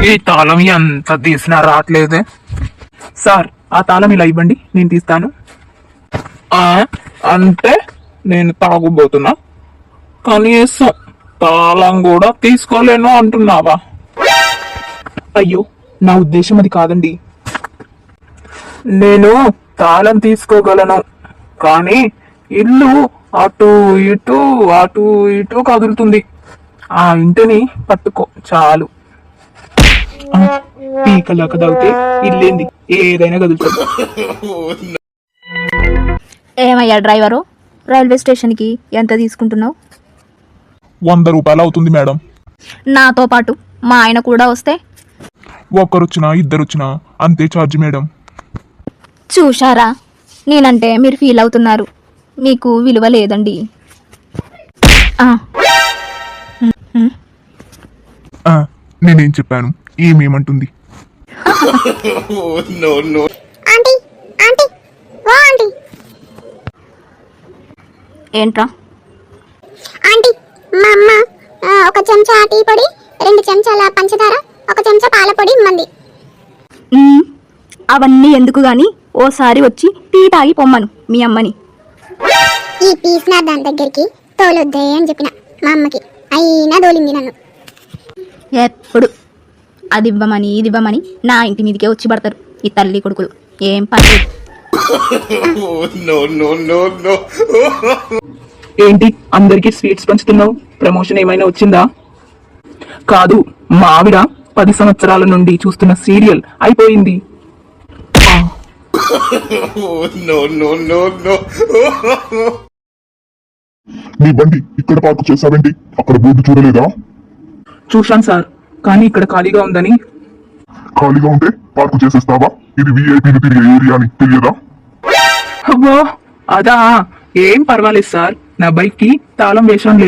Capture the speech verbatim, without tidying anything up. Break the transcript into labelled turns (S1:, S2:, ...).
S1: ఈ తాళం ఎంత తీసినా రావట్లేదే. సార్ ఆ తాళం ఇలా ఇవ్వండి, నేను తీస్తాను. ఆ అంటే నేను తాగుబోతున్నా, కనీసం తాళం కూడా తీసుకోలేను అంటున్నావా? అయ్యో, నా ఉద్దేశం అది కాదండి. నేను తాళం తీసుకోగలను, కానీ ఇల్లు అటు ఇటు అటు ఇటు కదులుతుంది. ఆ ఇంటిని పట్టుకో చాలు. పీకలాక దాగితే ఇల్లేంది ఏదైనా కదులుతుంది.
S2: ఏమయ్యా డ్రైవరు, రైల్వే స్టేషన్కి ఎంత తీసుకుంటున్నావు?
S3: వంద రూపాయలు అవుతుంది మేడం.
S2: నాతో పాటు మా ఆయన కూడా వస్తే?
S3: ఒక్కరొచ్చినా ఇద్దరొచ్చినా అంతే ఛార్జ్ మేడం.
S2: చూశారా, నేనంటే మీరు ఫీల్ అవుతున్నారు. మీకు విలువ లేదండి. ఆ.
S3: ఆ, నేనేం చెప్పాను, ఏమేమంటుంది?
S4: ఆంటీ ఆంటీ ఓ ఆంటీ
S2: ఏంట్రా?
S4: ఆంటీ మా అమ్మ ఆ, ఒక చెంచా టీ పొడి, రెండు చెంచాల పంచదార, ఒక చెంచా పాల పొడి ఇమ్మంది.
S2: ఉమ్, అవన్నీ ఎందుకు గాని ఓసారి వచ్చి టీ తాగి పొమ్మను మీ అమ్మని.
S4: ఈ పీస్ నా దాని దగ్గరికి తోలొద్దే అని చెప్పిన మా అమ్మకి, అయినా తోలింది నన్ను.
S2: ఎప్పుడు అది ఇవ్వమని ఇది ఇవ్వమని నా ఇంటి మీదకే వచ్చి పడతారు ఈ తల్లి కొడుకులు. ఏం పని.
S1: ఏంటి అందరికి స్వీట్స్ పంచుతున్నావు? ప్రమోషన్ ఏమైనా వచ్చిందా? కాదు, మా ఆవిడ పది సంవత్సరాల నుండి చూస్తున్న సీరియల్ అయిపోయింది.
S3: నీ బండి ఇక్కడ పార్కు చేసావేంటి? అక్కడ బోర్డు చూడలేదా?
S1: చూశాను సార్, కానీ ఇక్కడ ఖాళీగా ఉందని.
S3: ఖాళీగా ఉంటే పార్కు చేసేస్తావా? ఇది విఐపీలు తిరిగే ఏరియా అని తెలియదా?
S1: అబ్బో అదా, ఏం పర్వాలేదు సార్, నా బైక్ కి తాళం వేశాంలే.